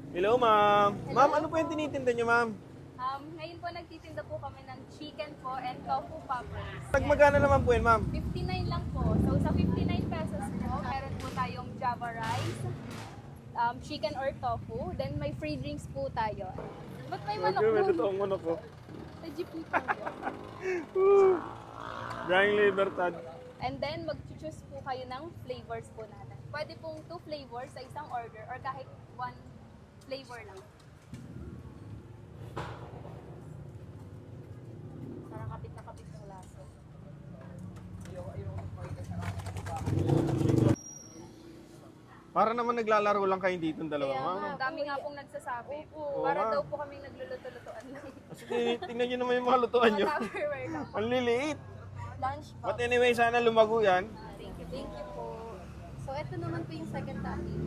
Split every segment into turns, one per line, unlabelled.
Hello, ma'am. Ma'am, ano po yung tinitinda niyo, ma'am?
Ngayon po nagtitinda po kami ng chicken po and tofu poppers.
Magkano naman po yun, ma'am?
59 lang po. So sa 59 pesos po, meron po tayong Java rice, chicken or tofu, then may free drinks po tayo. Ba't may manok
May
po?
totoong manok ko.
Sa jeep po po.
Drying Libertad.
And then mag-choose po kayo ng flavors po natin. Pwede pong 2 flavors sa isang order or kahit 1 flavor lang. Parang kapit na kapit ng laso.
Para naman naglalaro lang kayo dito ng dalawa,
Kaya
ma'am.
nga, dami nga pong nagsasabi.
Oo,
Para
ma'am.
daw po kaming nagluluto-lutuan lang.
Kasi tingnan niyo naman yung mga lutuan niyo.
Mga Tupperware lang po.
Ang liliit.
Lunch box.
But anyway, sana lumago yan.
Thank you po. So, ito naman po yung second topic.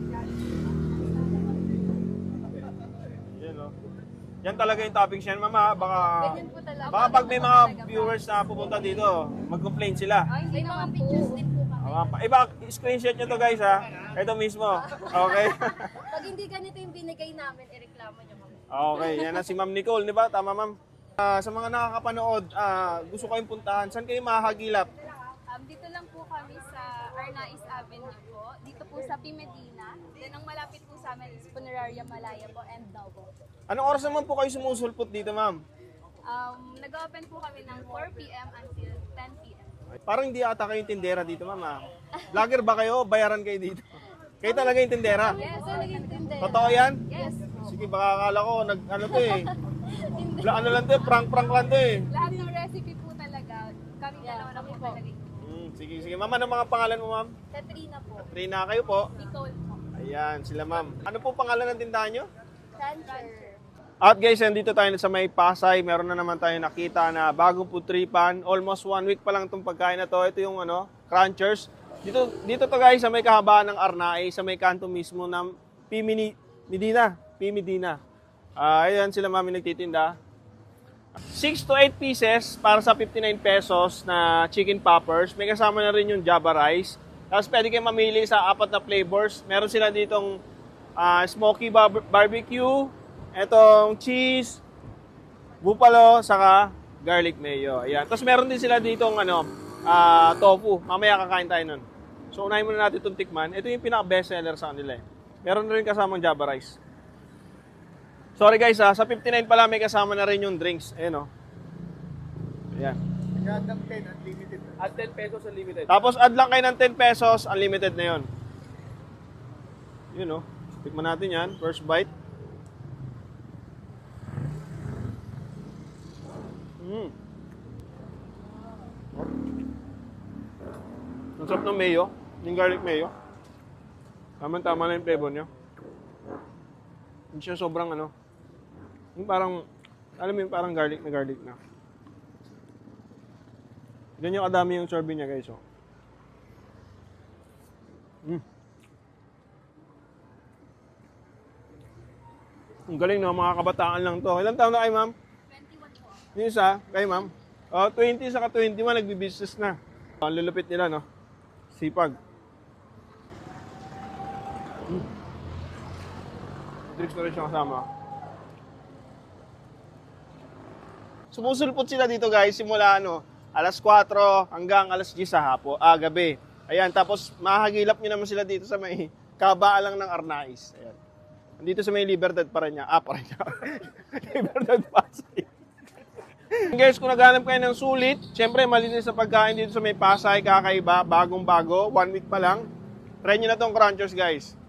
Yan, oh. Yan talaga yung toppings yan, mama. Baka,
Ganyan po talaga.
baka pag may mga viewers na pupunta dito, mag-complain sila.
Ay, hindi naman pictures din po kami.
Iba, screenshot nyo to guys ha. Ito mismo. Okay?
Pag hindi ganito yung binigay namin, ireklamo nyo kami.
Okay, yan na si Ma'am Nicole, di ba? Tama, ma'am. Sa mga nakakapanood, gusto kayong puntahan, saan kayo mahagilap?
Dito lang po kami sa Arnaiz Avenue po. Dito po sa P. Medina. Then ang malapit po sa amin is Funeraria Malaya po and Davao.
Anong oras naman po kayo sumusulpot dito, ma'am?
Nag-open po kami ng 4 p.m. until 10 p.m.
Parang hindi ata kayong tindera dito, ma'am. Vlogger ba kayo? Bayaran kayo dito. Kayo talaga yung tindera.
Yes, so nag-intindi.
Totoo yan?
Yes po.
Sige, baka akala ko, ano to eh. Ano lang to eh, prank-prank lang to eh.
Lahat ng recipe po talaga, kami dalawa na po talaga.
Sige, sige. Ma'am, ano mga pangalan mo, ma'am?
Katrina po.
Trina, kayo po.
Nicole po.
Ayan, sila ma'am. Ano po pangalan ng tindahan nyo?
Rancher.
At guys, nandito tayo sa may Pasay. Meron na naman tayo nakita na bagong putripan. Almost 1 week pa lang itong pagkain na to. Ito yung crunchers. Dito to guys, sa may kahabaan ng Arnai, sa may kanto mismo ng P. Medina. Ayan sila mami nagtitinda. 6 to 8 pieces para sa 59 pesos na chicken poppers. May kasama na rin yung Java rice. Tapos pwede kayo mamili sa 4 na flavors. Meron sila ditong smoky barbecue, etong cheese, buffalo, saka garlic mayo. Ayan. Tapos meron din sila ditong tofu. Mamaya kakain tayo nun. So unahin muna natin itong tikman. Ito yung pinaka-best seller sa kanila eh. Meron na rin kasamang Java rice. Sorry guys sa 59 pala may kasama na rin yung drinks. Ayan o. Ayan.
Nagandang 10, unlimited.
At 10 pesos unlimited. Tapos add lang kayo ng 10 pesos, unlimited na yun. Yun o. Tikman natin yan. First bite. Ang sarap ng mayo. Yung garlic mayo. Tama-tama na yung flavor nyo. Hindi siya sobrang yung parang, alam mo yung parang garlic na. Ganyan yung kadami yung serving niya guys. Oh. Ang galing no, mga kabataan lang to. Ilang taon na kayo ma'am?
21 po.
Yung isa, kayo ma'am? 20 saka 21, nagbi-business na. Ang lulupit nila no. Sipag. Drinks na rin siya kasama. Sumusulpot sila dito guys, simula alas 4 hanggang alas 10 sa gabi. Ayan, tapos mahagilap nyo naman sila dito sa may kabaan lang ng Arnaiz. Ayan. Dito sa may Libertad Parañaque. Libertad Pasay. Guys, kung naghanap kayo ng sulit, syempre malinis sa pagkain dito sa may Pasay, kakaiba, bagong-bago, 1 week pa lang. Try nyo na tong crunchers guys.